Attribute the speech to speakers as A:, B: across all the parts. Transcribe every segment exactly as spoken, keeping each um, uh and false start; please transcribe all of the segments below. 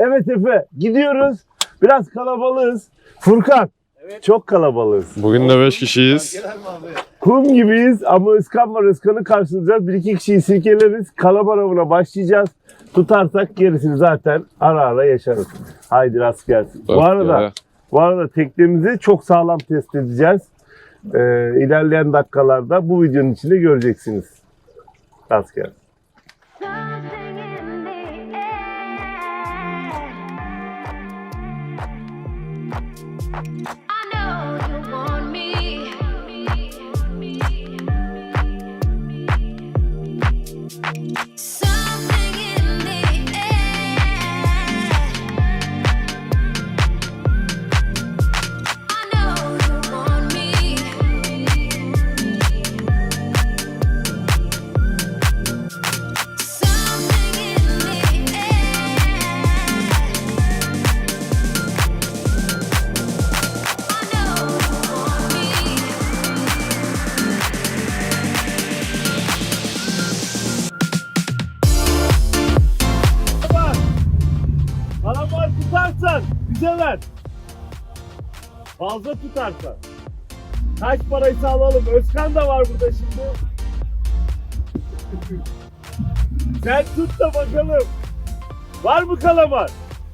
A: Evet Efe, gidiyoruz. Biraz kalabalığız. Furkan, evet. Çok kalabalığız.
B: Bugün de beş kişiyiz.
A: Kum gibiyiz ama Özkan var. Özkan'ı karşılayacağız. Bir iki kişiyi silkeleriz. Kalamar avına başlayacağız. Tutarsak gerisini zaten ara ara yaşarız. Haydi rast gelsin.
B: Bak
A: bu arada,
B: ya.
A: bu arada teknemizi çok sağlam test edeceğiz. Ee, ilerleyen dakikalarda bu videonun içinde göreceksiniz. Rast gelsin. Kalamar tutarsan bize ver. Fazla tutarsan. Kaç paraysa alalım. Özkan da var burada şimdi. Sen tut da bakalım. Var mı kalamar?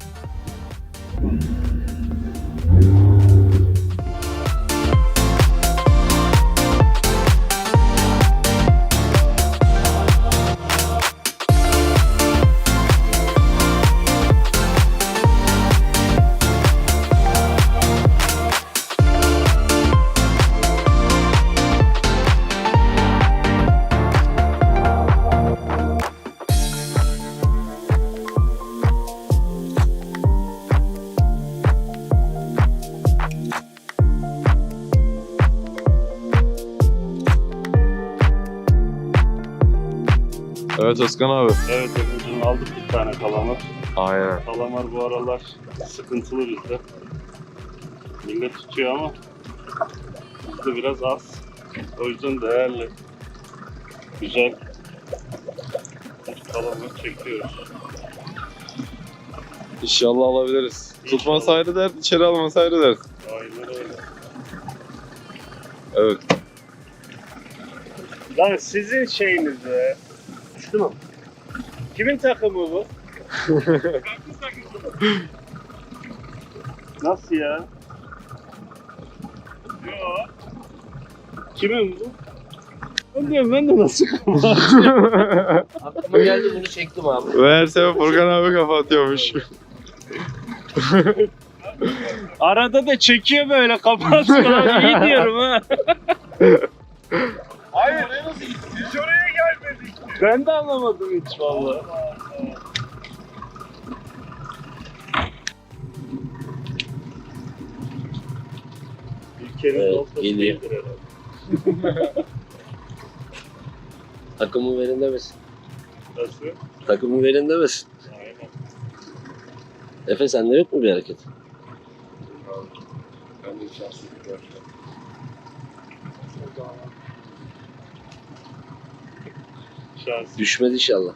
B: Evet Özkan abi.
C: Evet efendim, aldık bir tane kalamar.
B: Aynen.
C: Kalamar bu aralar sıkıntılı bizde. Millet tutuyor ama bizde biraz az. O yüzden değerli, güzel kalamar çekiyoruz.
B: İnşallah alabiliriz.
C: İnşallah.
B: Tutması ayrı dert, içeri alması ayrı dert.
C: Aynen öyle.
B: Evet.
C: Lan sizin şeyiniz be. Düştü mü? Kimin takımı bu? Nasıl ya? Yok. Kimin bu? Ben diyorum, ben de nasıl kapatacağım?
D: Aklıma geldi, bunu çektim abi.
B: Ve her sefer Furkan abi kafa atıyormuş.
C: Arada da çekiyor böyle, kapatıyor. İyi diyorum ha.
A: Hayır, biz oraya gelmedik.
C: Ben de anlamadım hiç vallahi. Ülkenin
D: Evet,
C: noktası
D: geliyor.
C: değildir herhalde.
D: Takımı verin demesin.
C: Nasıl?
D: Takımı verin demesin.
C: Aynen.
D: Efe, sende yok mu bir hareket?
C: Ben de şanslı bir görüşüm. Şans.
D: Düşmedi inşallah.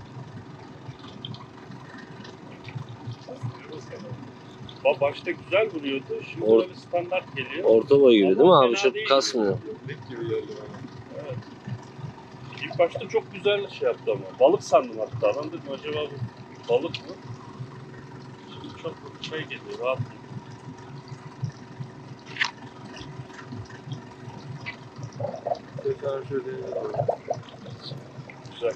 C: Ba- Başta güzel vuruyordu. Şimdi
D: Or-
C: böyle standart geliyor.
D: Orta boy gibi değil mi
C: Ama
D: abi?
C: fena
D: Çok
C: değil.
D: kasmıyor.
C: Evet. İlk başta çok güzel şey yaptı ama. Balık sandım hatta. Ben dedim acaba bu balık mı? Şimdi çok şey geliyor, rahat geliyor. Güzel.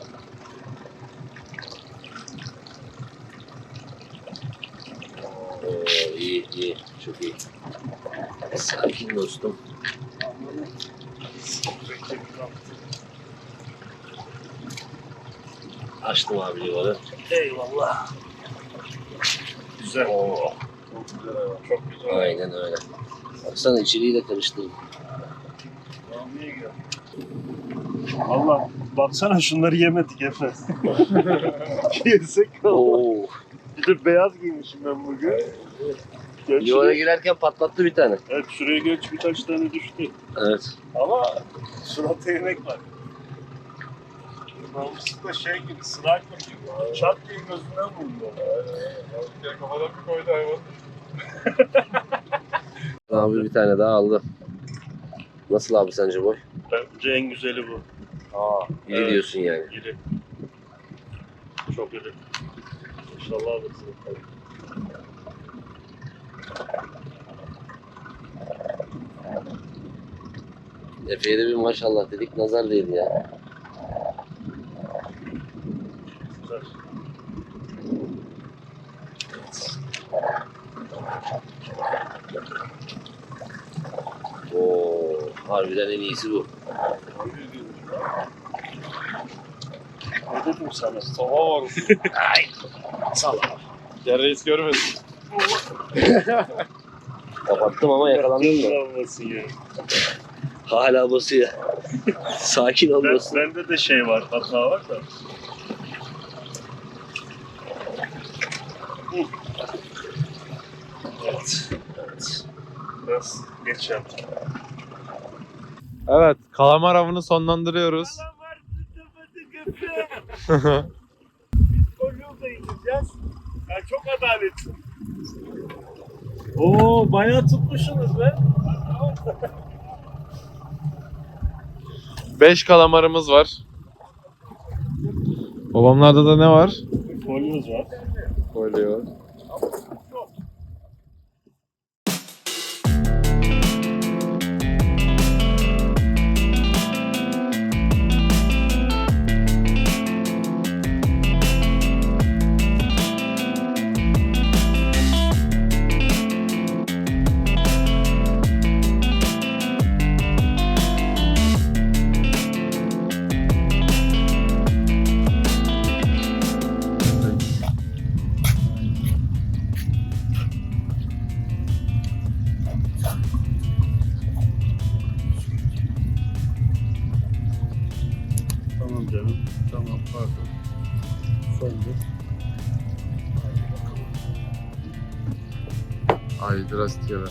D: Oo, iyi iyi. Çok iyi. Sakin dostum. Açtım abi livarı.
C: Eyvallah. Güzel.
D: Oo,
C: Çok güzel hayvan. Çok güzel.
D: aynen öyle. Baksana, içeriği de karıştırdım.
C: Allah, baksana şunları yemedik Efe. Yesek
D: Oo.
C: Bir de beyaz giymişim ben bugün. Geç
D: Livara
C: şuraya-
D: girerken patlattı bir tane.
C: Evet, şuraya geç birkaç tane düştü.
D: Evet.
C: Ama suratta yemek var. Namuslu da şey gibi, sniper gibi. Çat diye gözünden vurdu.
B: Asker kafadan bir koydu hayvan.
D: Abi bir tane daha aldı. Nasıl abi sence boy?
C: Bence en güzeli bu.
D: Aa, iyi
C: Evet.
D: diyorsun yani.
C: İri. Çok iri. İnşallah alırsın.
D: Efe'ye de bir maşallah dedik, nazar değdi ya.
C: Güzel.
D: Oo, harbiden en iyisi bu.
C: Ne dedim sana?
B: Sabah var.
D: Ay, sağ ol.
B: Gel reis görmedim.
D: Kapattım ama yakalandın mı?
C: Olmasın ya.
D: Hala basıyor. Sakin ol
C: Ben,
D: dostum.
C: bende de şey var, hata var da. Hı. Evet.
D: Evet.
C: Biraz geç yaptım.
B: Evet, kalamar avını sonlandırıyoruz.
A: Kalamar tutamadı köpeğe. Biz kolyolda yiyeceğiz. Yani çok adaletli.
C: Oo, bayağı tutmuşsunuz be.
B: Beş kalamarımız var. Babamlarda da ne var?
C: Kolyoz var.
B: Kolye.
C: Tamam canım. Tamam, pardon. Söndür.
B: Haydi rastgele.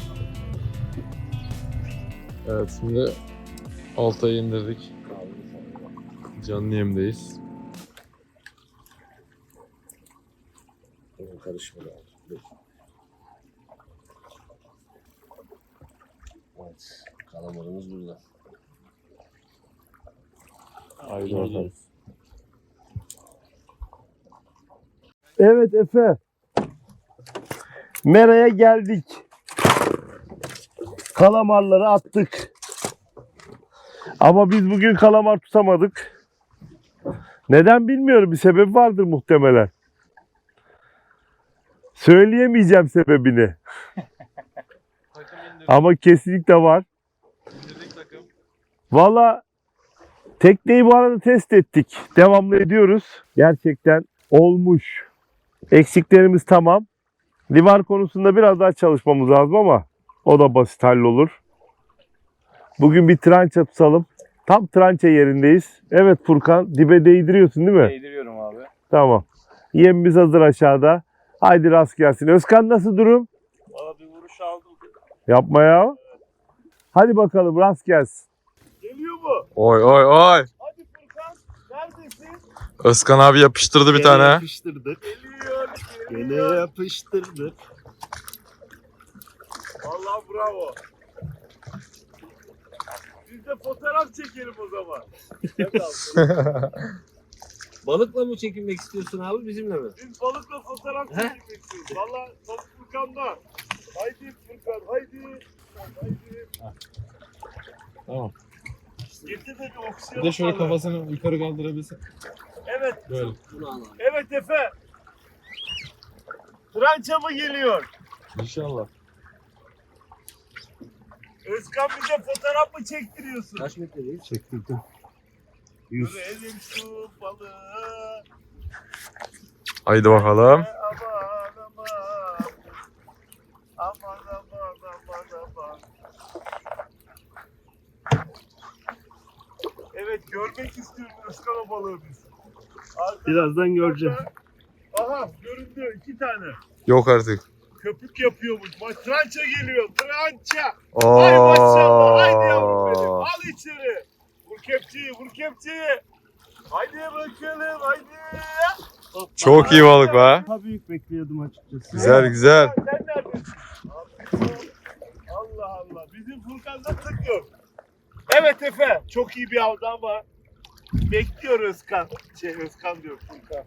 B: Evet, şimdi oltayı indirdik. Canlı yemdeyiz.
D: Karışmadı abi. Evet, kalamarımız burada.
B: Haydi bakalım.
A: Evet Efe. Mera'ya geldik. Kalamarları attık. Ama biz bugün kalamar tutamadık. Neden bilmiyorum. Bir sebebi vardır muhtemelen. Söyleyemeyeceğim sebebini. Ama kesinlikle var. Valla tekneyi bu arada test ettik. Devamlı ediyoruz. Gerçekten olmuş. Eksiklerimiz tamam. Livar konusunda biraz daha çalışmamız lazım ama o da basit hallolur. Bugün bir trança tutalım. Tam trança yerindeyiz. Evet Furkan, dibe değdiriyorsun değil mi?
B: Değdiriyorum abi.
A: Tamam. Yemimiz hazır aşağıda. Haydi rast gelsin. Özkan nasıl durum?
C: Valla bir vuruş aldım.
A: Yapma ya. Hadi bakalım rast gelsin. Geliyor mu?
B: Oy oy oy.
A: Hadi Furkan. Neredesin?
B: Özkan abi yapıştırdı bir tane.
C: Yapıştırdık.
A: Geliyor.
C: Gene
A: Geliyor.
C: yapıştırdık.
A: Vallahi bravo. Biz de fotoğraf çekelim o zaman.
D: Balıkla mı çekilmek istiyorsun abi, bizimle mi?
A: Biz balıkla fotoğraf çekmek istiyoruz. Valla balık Furkan'da. Haydi Furkan haydi. Haydi.
B: Tamam.
A: Getir de bir oksijen.
B: Bir de şöyle
A: atalım.
B: kafasını yukarı kaldırabilsin.
A: Evet.
B: Böyle.
D: Bunu al abi.
A: Evet Efe. Trança mı geliyor?
B: İnşallah.
A: Özkan bize fotoğraf mı çektiriyorsun?
D: Kaç metredeyiz?
C: Çektirdim.
A: Görelim şu balığı.
B: Haydi bakalım.
A: Aman aman. Aman aman aman aman. Evet görmek istiyorum Özkan o balığı biz. Arkadan-
C: Birazdan göreceğim.
A: Aha göründü iki tane.
B: Yok artık.
A: Köpük yapıyormuş. Ma- Trança geliyor. Trança. Hay maşallah. Haydi yavrum benim. Al içeri. Vur kepçeyi. Vur kepçeyi. Haydi bakalım. Haydi.
B: Çok iyi balık be.
C: Daha büyük bekliyordum açıkçası.
B: Güzel güzel.
A: Sen neredesin? Allah Allah. Bizim Furkan'da tık yok. Evet Efe. Çok iyi bir avdı ama bekliyor Özkan. Şey Özkan diyor Furkan.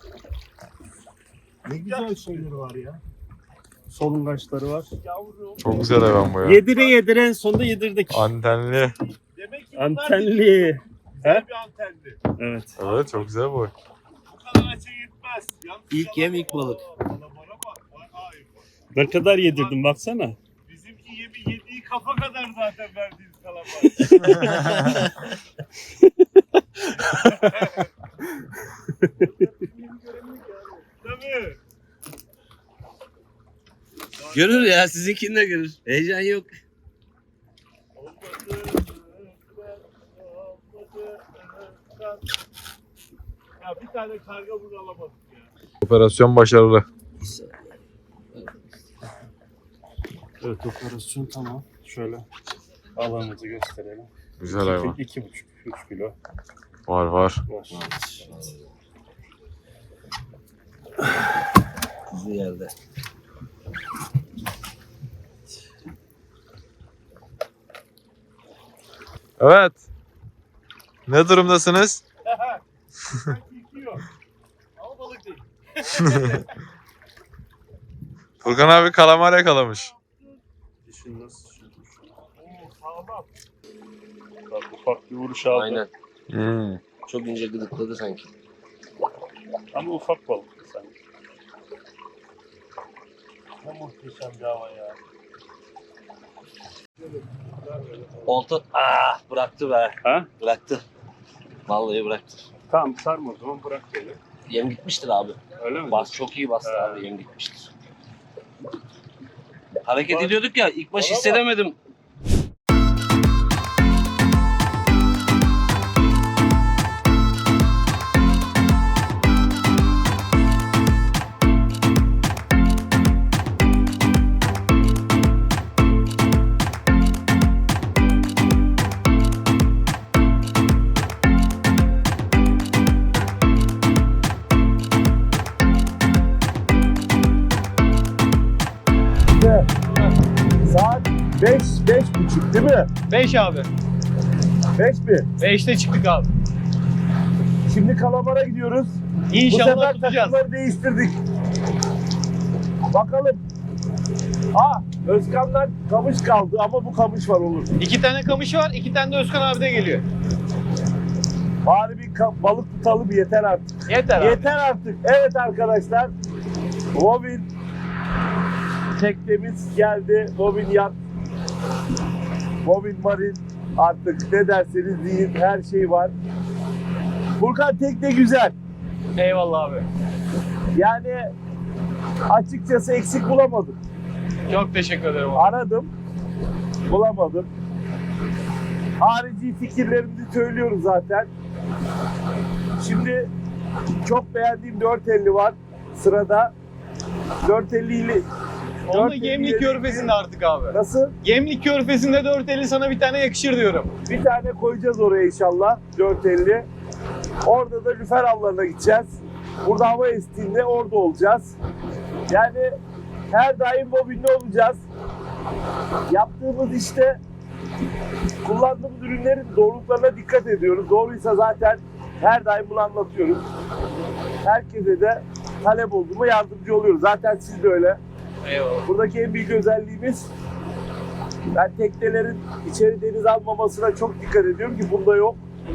C: Ne güzel şeyleri var ya. Solungaçları var.
A: Yavrum.
B: Çok güzel hayvan bu ya.
C: Yedire yedire en sonunda yedirdik.
B: Antenli.
A: Demek ki bunlar
C: Antenli.
A: güzel
C: He?
A: bir antenli.
C: Evet.
B: Evet çok güzel bu.
A: Bu kadar açı yetmez. Yalnız
D: İlk yem, ilk balık.
A: Kalamara bak. Vay ay bak.
C: Ne kadar yedirdim baksana.
A: Bizimki yemi yediği kafa kadar zaten verdiğiniz kalamar. Tabii.
D: Görür ya, sizinkini de görür. Heyecan yok.
A: Ya bir tane karga bunu alamadık ya.
B: Operasyon başarılı.
C: Evet, operasyon tamam. Şöyle alanımızı gösterelim.
B: Güzel hayvan.
C: İki buçuk, üç kilo
B: Var var.
C: var.
D: Kuzu yerde.
B: Evet. Ne durumdasınız?
A: Çekiyor. Ama balık değil.
B: Furkan abi kalamar yakalamış.
C: Dişin nasıl?
A: Oo sağlam.
C: Bak, ufak bir vuruş aldı.
D: Aynen.
B: Hmm.
D: Çok ince gıdıkladı sanki.
C: Ama ufak balık sanki.
A: Ne muhteşem bir hava ya.
D: Olta ah bıraktı be.
C: Ha?
D: Bıraktı. Vallahi bıraktı.
C: Tamam, sarma o zaman, bırak beni.
D: Yem gitmiştir abi.
C: Öyle mi?
D: Bas çok iyi bastı
C: He.
D: abi, yem gitmiştir. Hareket
A: Bak-
D: ediyorduk ya, ilk baş
A: Bana bak.
D: hissedemedim.
A: Saat beş, beş buçuk değil mi?
E: beş abi.
A: beş mi?
E: beşte çıktık abi.
A: Şimdi Kalamar'a gidiyoruz. Bu
E: İnşallah
A: sefer
E: tutacağız.
A: takımları değiştirdik. Bakalım. Ha, Özkan'dan kamış kaldı ama bu kamış var olur.
E: İki tane kamış var, iki tane de Özkan abi de geliyor.
A: Bari bir ka- balık tutalım yeter artık.
E: Yeter abi.
A: Yeter artık. Evet arkadaşlar. Bobin teknemiz geldi. Bobin yat. Bobin marin. Artık ne derseniz deyin, her şey var. Furkan tekne güzel.
E: Eyvallah abi.
A: Yani açıkçası eksik bulamadım.
E: Çok teşekkür ederim abi.
A: Aradım. Bulamadım. Harici fikirlerimizi söylüyoruz zaten. Şimdi çok beğendiğim dört elli var sırada. dört elli ile
E: Onu
A: dört elli
E: Gemlik
A: ile-
E: Körfezi'nde artık abi.
A: Nasıl?
E: Gemlik Körfezi'nde dört elli sana bir tane yakışır diyorum.
A: Bir tane koyacağız oraya inşallah. dört elli. Orada da lüfer avlarına gideceğiz. Burada hava estiğinde orada olacağız. Yani her daim bobinli olacağız. Yaptığımız işte kullandığımız ürünlerin doğruluklarına dikkat ediyoruz. Doğruysa zaten her daim bunu anlatıyoruz. Herkese de talep olduğuma yardımcı oluyoruz. Zaten siz de öyle.
E: Eyvallah.
A: Buradaki en büyük özelliğimiz, ben teknelerin içeri deniz almamasına çok dikkat ediyorum ki bunda yok.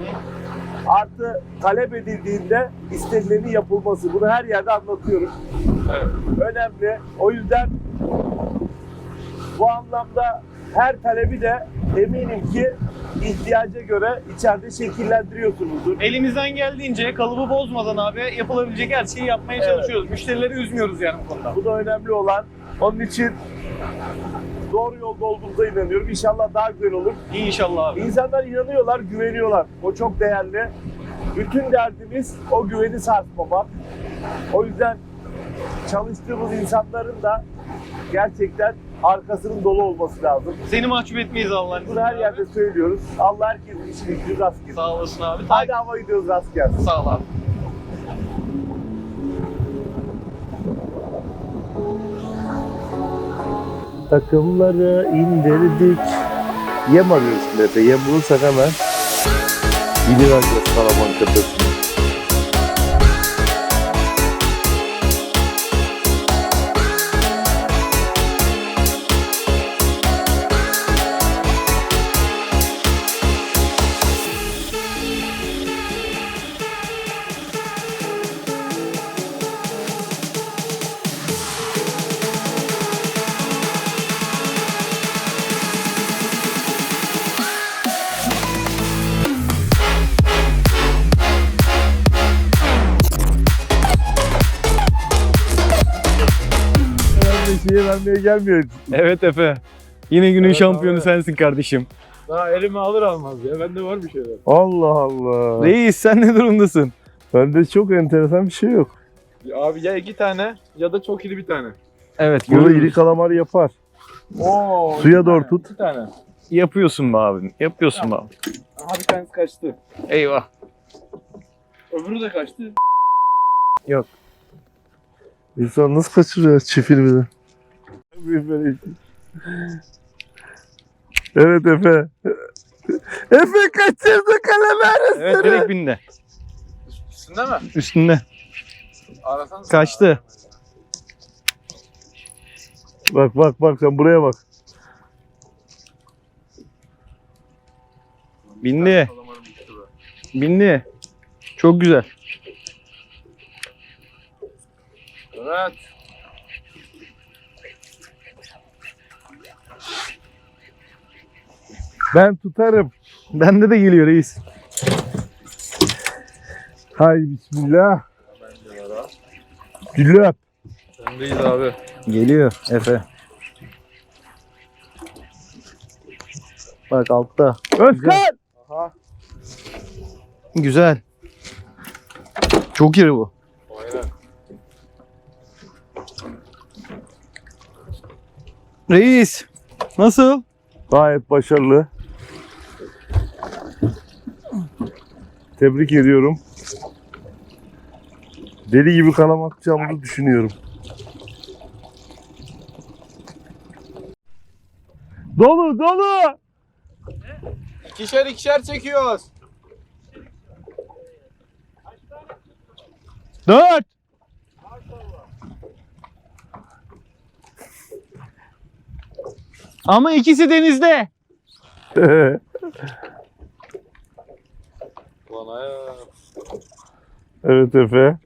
A: Artı talep edildiğinde istenilenin yapılması. Bunu her yerde anlatıyorum.
E: Evet.
A: Önemli. O yüzden bu anlamda her talebi de eminim ki ihtiyaca göre içeride şekillendiriyorsunuzdur.
E: Elimizden geldiğince kalıbı bozmadan abi yapılabilecek her şeyi yapmaya
A: Evet.
E: çalışıyoruz. Müşterileri üzmüyoruz yani bu konuda.
A: Bu da önemli olan. Onun için doğru yolda olduğumuza inanıyorum. İnşallah daha güzel olur.
E: İnşallah abi.
A: İnsanlar inanıyorlar, güveniyorlar. O çok değerli. Bütün derdimiz o güveni sarsmamak. O yüzden çalıştığımız insanların da gerçekten arkasının dolu olması lazım.
E: Seni mahcup etmeyiz Allah'ın
A: Bunu her
E: izniyle
A: yerde
E: abi.
A: söylüyoruz. Allah herkesin işini gücünü rast getirsin.
E: Sağ olasın abi.
A: Hadi hava gidiyoruz, rast gelsin.
E: Sağ ol abi.
A: takımları indirdik. Yem arıyoruz şimdi Efe. Yem bulursak hemen gidivereceğiz Kalaman tepesine. Şeye vermeye gelmiyor.
E: Evet Efe. Yine günün
C: Evet
E: şampiyonu
C: abi.
E: sensin kardeşim.
C: Daha elime alır almaz ya. Bende var bir şeyler.
A: Allah Allah.
E: Reis sen ne durumdasın?
A: Bende çok enteresan bir şey yok.
C: Abi ya iki tane ya da çok iri bir tane.
E: Evet
A: Burada
E: görüyoruz.
A: iri kalamar yapar.
C: Oo.
A: Suya
C: iki
A: doğru
C: tane,
A: tut.
C: İki tane.
E: Yapıyorsun be abi. Yapıyorsun be abi.
C: Aha bir tanesi kaçtı.
E: Eyvah.
C: Öbürü de kaçtı.
A: İnsan nasıl kaçırıyor çifir bir de? Böyle- Evet Efe. Efe kaçırdı kalamar.
E: Evet direkt bindi.
C: Üstünde mi?
E: Üstünde.
C: Arasanız.
E: Kaçtı.
A: Bak bak bak sen buraya bak.
E: Bindi. Bindi. Çok güzel.
C: Evet.
A: Ben tutarım.
E: Bende de geliyor reis.
A: Hay bismillah. Gülüp.
C: Sendeyiz abi.
E: Geliyor Efe. Bak altta.
A: Özkan.
C: Aha.
E: Güzel. Çok iri bu.
C: Aynen.
E: Reis. Nasıl?
A: Gayet başarılı. Tebrik ediyorum. Deli gibi kalam atacağımızı düşünüyorum. Dolu dolu.
C: İkişer ikişer çekiyoruz.
E: Dört. Ama ikisi denizde.
C: Bana ya.
A: Evet Efe.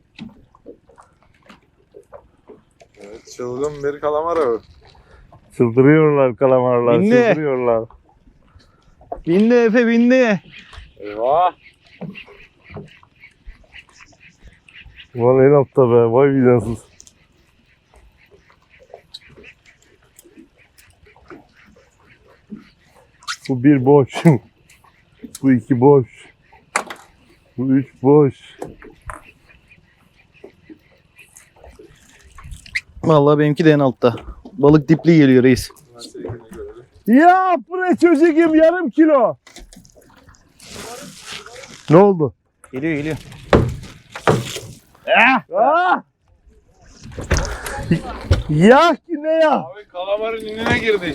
C: Evet, çılgın bir kalamar abi.
A: Çıldırıyorlar kalamarlar.
E: Bindi.
A: Çıldırıyorlar.
E: Bindi Efe bindi.
C: Eyvah.
A: Ulan en altta be. Vay vicdansız. Bu bir boş. Bu iki boş. Bu üç boş.
E: Vallahi benimki de en altta. Balık dipli geliyor reis.
A: Ya buraya çocuğum yarım kilo. Ne oldu?
E: Geliyor geliyor.
A: Ah! Ya ki ne ya?
C: Abi kalamarın inine girdik.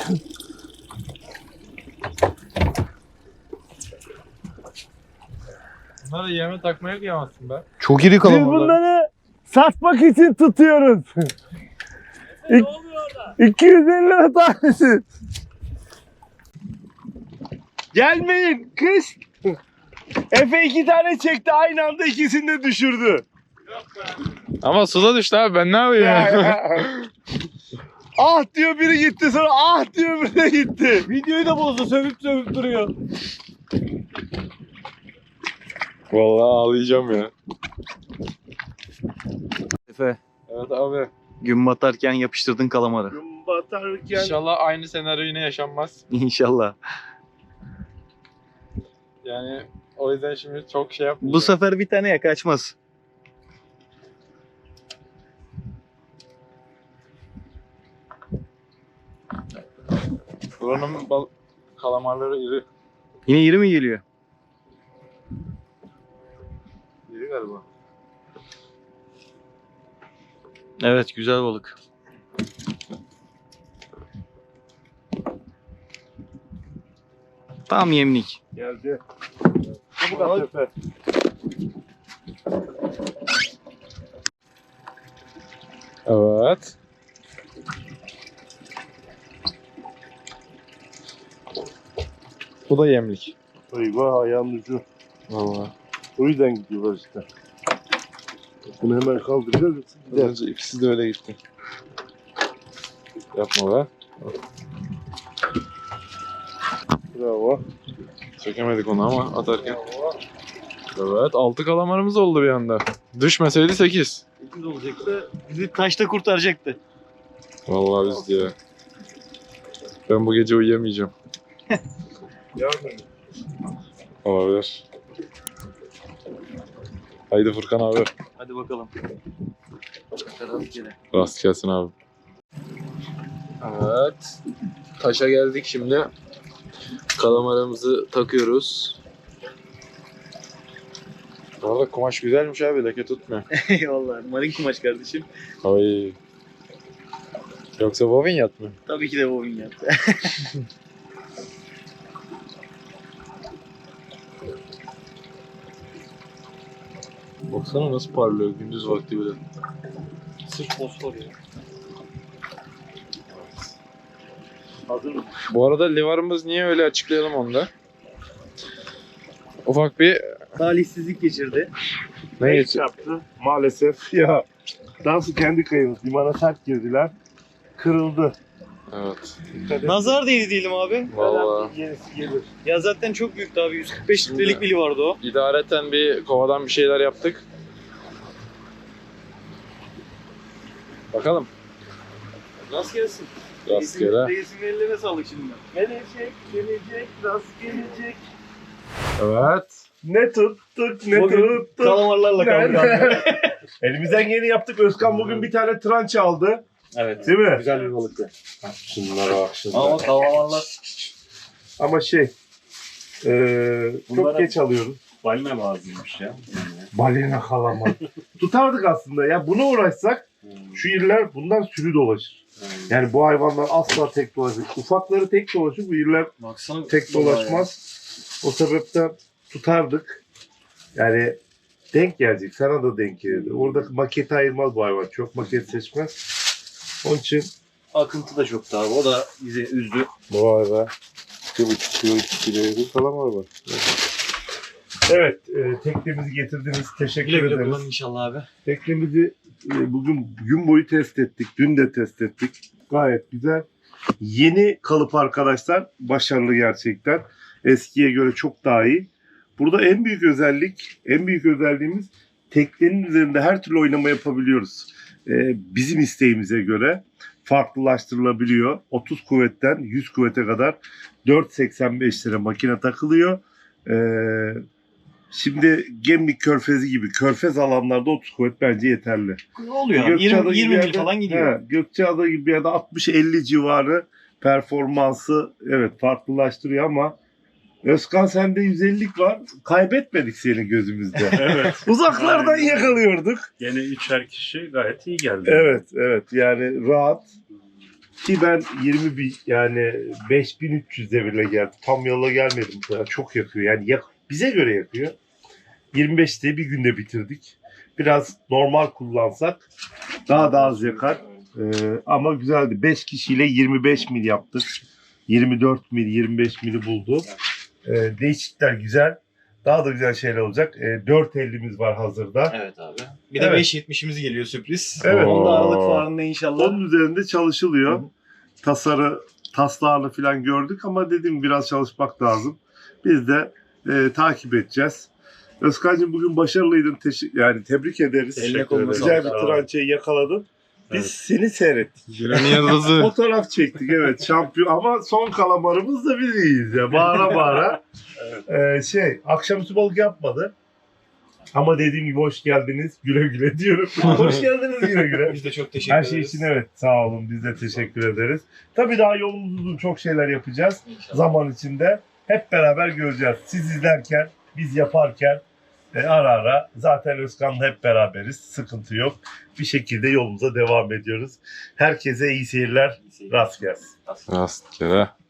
C: Bunları yeme takmaya kıyamazsın be.
E: Çok iri
A: Biz
E: kalamarlar.
A: bunları satmak için tutuyoruz. İk- iki yüz elli lira tanesi. Gelmeyin kız. Efe iki tane çekti aynı anda ikisini de düşürdü.
C: Ama suda düştü abi, ben ne yapayım?
A: Ah diyor biri gitti sonra ah diyor biri de gitti.
E: Videoyu da bozdu sövüp sövüp duruyor.
C: Vallahi ağlayacağım ya.
E: Efe
C: Evet abi.
E: gün batarken yapıştırdın kalamarı.
A: Gün batarken
C: İnşallah aynı senaryo yine yaşanmaz.
E: İnşallah.
C: Yani o yüzden şimdi çok şey yapmayacağım.
E: Bu sefer bir tane ya kaçmaz.
C: Buranın bal kalamarları iri.
E: Yine iri mi geliyor?
C: İri galiba.
E: Evet güzel balık. Tam yemlik.
A: Geldi. Çabuk at Efe.
B: Evet. Bu da yemlik.
A: Eyvah ayağın ucu.
B: Vallahi.
A: O yüzden gidiyorlar işte. Bunu hemen kaldıracağız. yoksa gider.
B: Önce ikisi de öyle gitti. Yapma be.
A: Bravo.
B: Çekemedik onu ama atarken. Evet, altı kalamarımız oldu bir anda. Düşmeseydi sekiz.
E: sekiz olacaktı. Bizi taşta kurtaracaktı.
B: Vallahi biz diye. Ben bu gece uyuyamayacağım.
A: Yardım.
B: Olabilir. Haydi Furkan abi.
E: Hadi bakalım. Rastgele.
B: Rast gelsin abi. Evet. Taşa geldik şimdi. Kalamarımızı takıyoruz. Bu arada kumaş güzelmiş abi. Leke tutmuyor.
E: Eyvallah. Malik kumaş kardeşim.
B: Ay. Yoksa bobin yat mı?
E: Tabii ki de bobin yaptı.
B: Baksana nasıl parlıyor gündüz vakti bile.
E: Sırf fosfor ya.
A: Hazır mı?
B: Bu arada livarımız niye öyle açıklayalım onu da. Ufak bir
E: Talihsizlik geçirdi.
B: ne
A: Ne
B: geçti?
A: yaptı? Maalesef ya. Dansı kendi kayımız. Limana sert girdiler. Kırıldı.
B: Evet.
A: Dikkat et.
E: Nazar değdi diyelim abi.
B: Vallahi.
A: Yenisi gelir.
E: Ya zaten çok büyüktü abi. yüz kırk beş litrelik bili vardı o.
B: İdareten bir kovadan bir şeyler yaptık. Bakalım.
E: Nasıl gelsin?
B: Rastgele.
E: Reisin ellerine sağlık şimdi.
A: Gelecek, gelecek, rast gelecek.
B: Evet.
A: Ne tuttuk, ne
E: Bugün
A: tuttuk.
E: Kalamarlarla kaldık abi.
A: Elimizden yeni yaptık. Özkan bugün bir tane tranç aldı.
E: Evet.
A: Değil mi?
E: Güzel bir balıktı.
A: Şunlara bak şunlara.
E: Ama kalamarlar.
A: Ama şey, eee çok
C: Bunlara-
A: geç alıyoruz.
C: Balina lazımmış ya.
A: Balina kalamar. Tutardık aslında. Ya buna uğraşsak şu iller bundan sürü dolaşır. Yani bu hayvanlar asla tek dolaşır. Ufakları tek dolaşır. Bu iller
E: Baksana.
A: tek dolaşmaz. O sebepten tutardık. Yani denk gelecek. Sana da denk gelirdi. Orada maket ayırmaz bu hayvan. Çok maket seçmez. Onun için
E: Akıntı da çoktu abi. O da bizi üzdü.
A: vay be. iki buçuk kilo, iki kilo bir kalamar var. Evet, e, teknemizi getirdiniz. Teşekkür
E: Güle güle
A: ederiz.
E: kullanın inşallah abi.
A: Teknemizi e, bugün gün boyu test ettik. Dün de test ettik. Gayet güzel. Yeni kalıp arkadaşlar. Başarılı gerçekten. Eskiye göre çok daha iyi. Burada en büyük özellik, en büyük özelliğimiz teknenin üzerinde her türlü oynama yapabiliyoruz. E, bizim isteğimize göre farklılaştırılabiliyor. otuz kuvvetten yüz kuvvete kadar dört seksen beş lira makine takılıyor. E, Şimdi Gemlik Körfezi gibi körfez alanlarda otuz kuvvet bence yeterli.
E: Ne oluyor?
A: Gökçeada
E: yirmi,
A: gibi
E: yirmi mil
A: yerde-
E: falan gidiyor.
A: He, Gökçeada gibi bir yerde altmış elli civarı performansı evet farklılaştırıyor ama Özkan sende yüz ellilik var. Kaybetmedik seni gözümüzde.
C: Evet.
A: Uzaklardan
C: Aynen.
A: yakalıyorduk.
C: Gene üçer kişi gayet iyi geldi.
A: Evet evet yani rahat. Ki ben yirmi bin yani beş bin üç yüz devirle geldim. Tam yola gelmedim bu kadar. Çok yakıyor. Yani yak, bize göre yakıyor. yirmi beşte bir günde bitirdik. Biraz normal kullansak daha da az yakar. Ee, ama güzeldi. beş kişiyle yirmi beş mil yaptık. yirmi dört mil, yirmi beş mili buldu. Ee, değişiklikler güzel. Daha da güzel şeyler olacak. Ee, dört ellimiz var hazırda.
E: Evet abi. Bir de
A: Evet.
E: beş yetmişimiz geliyor sürpriz.
A: Evet.
E: Onda Aralık
B: Oo.
E: fuarında inşallah.
A: Onun üzerinde çalışılıyor.
E: Hı hı.
A: Tasarı, taslağını falan gördük ama dediğim biraz çalışmak lazım. Biz de e, takip edeceğiz. Özkan'cığım bugün başarılıydın. Teşekkür, yani tebrik ederiz.
E: Eline koluna
A: Güzel
C: sağlık.
A: bir trançayı yakaladın. Biz seni seyrettik.
B: Günün yıldızı.
A: Fotoğraf çektik evet şampiyon ama son kalamarımız da biz iyiyiz ya bağıra bağıra. Ee, şey akşamüstü balık yapmadı. Ama dediğim gibi hoş geldiniz güle güle diyorum. Hoş geldiniz güle güle.
E: Biz de çok teşekkür
A: Her
E: ederiz.
A: şey için evet sağ olun biz de teşekkür ederiz. Tabii daha yolumuz uzun çok şeyler yapacağız
E: İnşallah.
A: zaman içinde. Hep beraber göreceğiz. Siz izlerken biz yaparken e, ara ara zaten Özkan'la hep beraberiz. Sıkıntı yok. Bir şekilde yolumuza devam ediyoruz. Herkese iyi seyirler. Rast gelsin.
B: Rastgele.